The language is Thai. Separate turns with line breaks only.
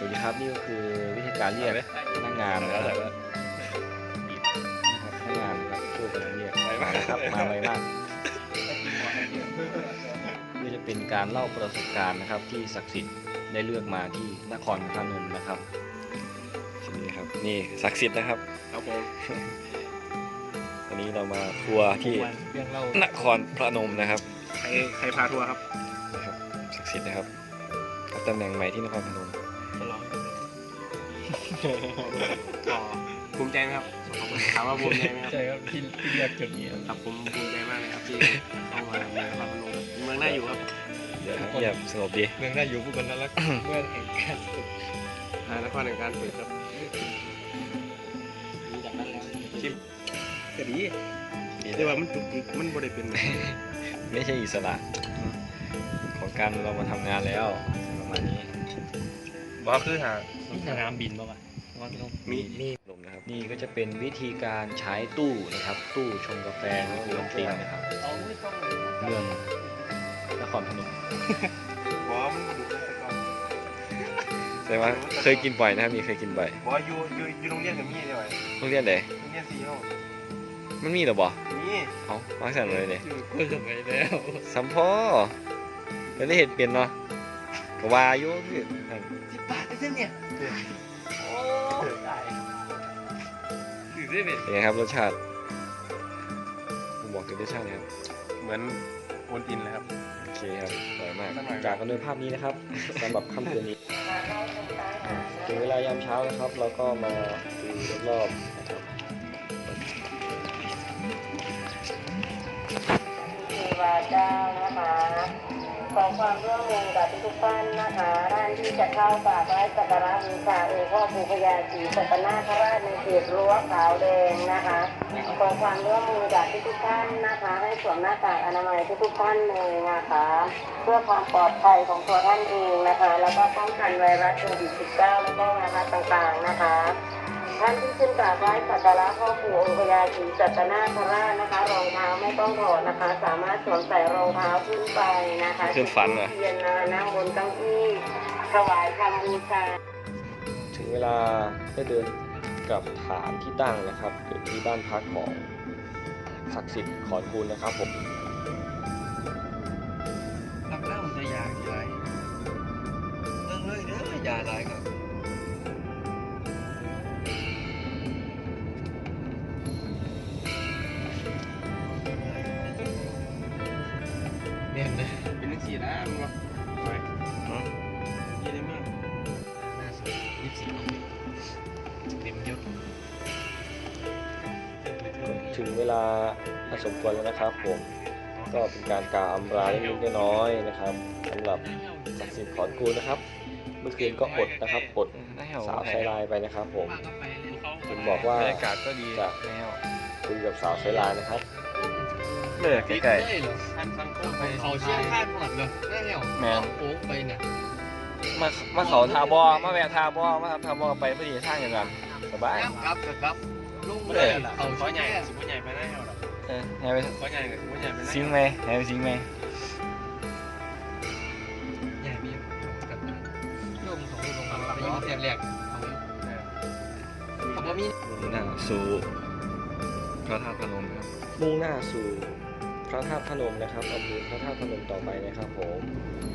วัสดีครับนี่ก็คือวิธีการเรียกพนักงานนะครับพนักงานนะครับช่วยกันเรียกมานะครับมาไวมากนี่จะเป็นการเล่าประสบการณ์นะครับที่ศักดิ์สิทธิ์ได้เลือกมาที่นครพนมนะครับนี่ครับนี่ศักดิ์สิทธิ์นะครับ
ครับผม
วันนี้เรามาทัวร์ที่นครพนมนะครับ
ใครพาทัวร์ครับ
นะครับศักดิ์สิทธิ์นะครับรับตำแหน่งใหม่ที่นครพนม
ภูมิใจไหมครับถามว่าภูมิใจไหมครับ
ใช่ครับที่เรียกจุดนี้
ครับผมภูมิใจมากเลยครับที่เข้ามาเมืองนครพนมเมืองน่าอยู่ครับ
เดี๋ยวเงียบสงบดี
เมืองน่าอยู่ผู้คนน่ารักเมื่อแห่งการฝึก
นครแห่งการฝึกครับจากนั้นแล้วชิมก็ดีแต่ว่ามันจุกจิกมันบริเป็น
ไม่ใช่อิสระของการเรามาทำงานแล้วประมาณนี้
ว่าคือหา
สนามบินป่ะวะ
มีลมนะครับนี่ก็จะเป็นวิธีการใช้ตู้นะครับ ตู้ชงกาแฟของคุณติงนะครับเมืองนครพนม
บอกว่ามันดูไปก่อน
แต่ว่าเคยกินบ่อยนะครับมีเคยกินบ่อย
บอกว่าอยู่โรงเรียนกับมี่ได้ไหม
โรงเรียนไหน
โรงเรียนซีโร่
มันมีหรอบ่
นี่
เอามาสั่งเลยเนี่ย
อยู่ก็สมัยแล้ว
สัมพ่อแล้วได้เห็นเปลี่ยนเนาะก็วาอยุคือ
10 บาทได้เนี่ยโอ้ตายถือได้เนี่ย
เป็นไงครับรสชาติผมบอกถึงรสชาตินะครับ
เหมือนโอนอินเลยครับ
โอเคครับอร่อยมาก
อร่อย
จากกันด้วยภาพนี้นะครับสำหรับค่ำคืนนี้ถึงเวลายามเช้านะครับ เราก็มาดูรอบๆนะครับ
วาเจ้านะคะขอความร่วมมือกับทุกท่านนะคะท่านที่จะเข้ากราบไหว้สักการะบูชาองค์พ่อปู่พญาศรีสัตนาคราชในเขตรั้วขาวแดงนะคะขอความร่วมมือกับทุกท่านนะคะให้สวมหน้ากากอนามัยทุกท่านเลยนะคะเพื่อความปลอดภัยของตัวท่านเองนะคะแล้วก็ป้องกันไวรัสโควิด -19 แล้วก็ไวรัสต่างๆนะคะท่านที่ขึ้นกราบไหว้สักการะพ่อปู่องค์พญาศรีสัตนาคราชนะคะรองเท้าไม่ต้องถอดนะคะสามารถสวมใส่รองเท้าขึ้นไปนะคะ
ขึ้นฟันเหรอ
เทียนนั่งบนเก้าอี้ถวายคำบูชา
ถึงเวลาได้เดินกลับฐานที่ตั้งนะครับหรือที่บ้านพักของศักดิ์สิทธิ์ขอนคูณนะครับผม
รับเล่าจะยากี่ไรเรื่องเลยเด้อยาไรครับเนี่ยนะ
เป็นนักขี่นะมึงวะไปยี่ได้มาก
24เต็มยศ
ถึงเวลาสมควรแล้วนะครับผมก็เป็นการกล่าวอำลาเล็กๆน้อยๆนะครับสำหรับศักดิ์สิทธิ์ขอนคูณนะครับ เมื่อคืนก็อดนะครับอดสาวไซไลน์ไปนะครับผมถึงบอกว่า
บรรยากาศก็ดี
จะ
แล้ว
คุยกับสาวไซไลน์นะครับ
เลิกใกล้
ได้เหรอ
ๆท่านสังคม
ไปเขาเชี่ยงข้านหมดเลยได้เหรอ
แม่น
โอ้ไปเนี่ย
มาเขาทาบอมาแวะทาบอมาทาบอไปพอดีทางอย่างนั้นสบาย
ครับลุง
ไม่
เล
ได้
ย
ล่ะ
เขา
ขอ
เชี่ย
ใหญ่
ง
สุดใหญ่ไปได้หรอ
ให้ไป
ขอใหญ่กับขอใหญ่ไปได้
ซิงไหมให้ไปซิงไหม
ใหญ่มีกันนะโยมของลุงไปยิงเสียงแรกเอาอยู่เขาบอกมี
มุ่งหน้าสู่พระธาตุพนมครับมุ่งหน้าสู่พระธาตุพนมนะครับอำเภอพระธาตุพนมต่อไปนะครับผม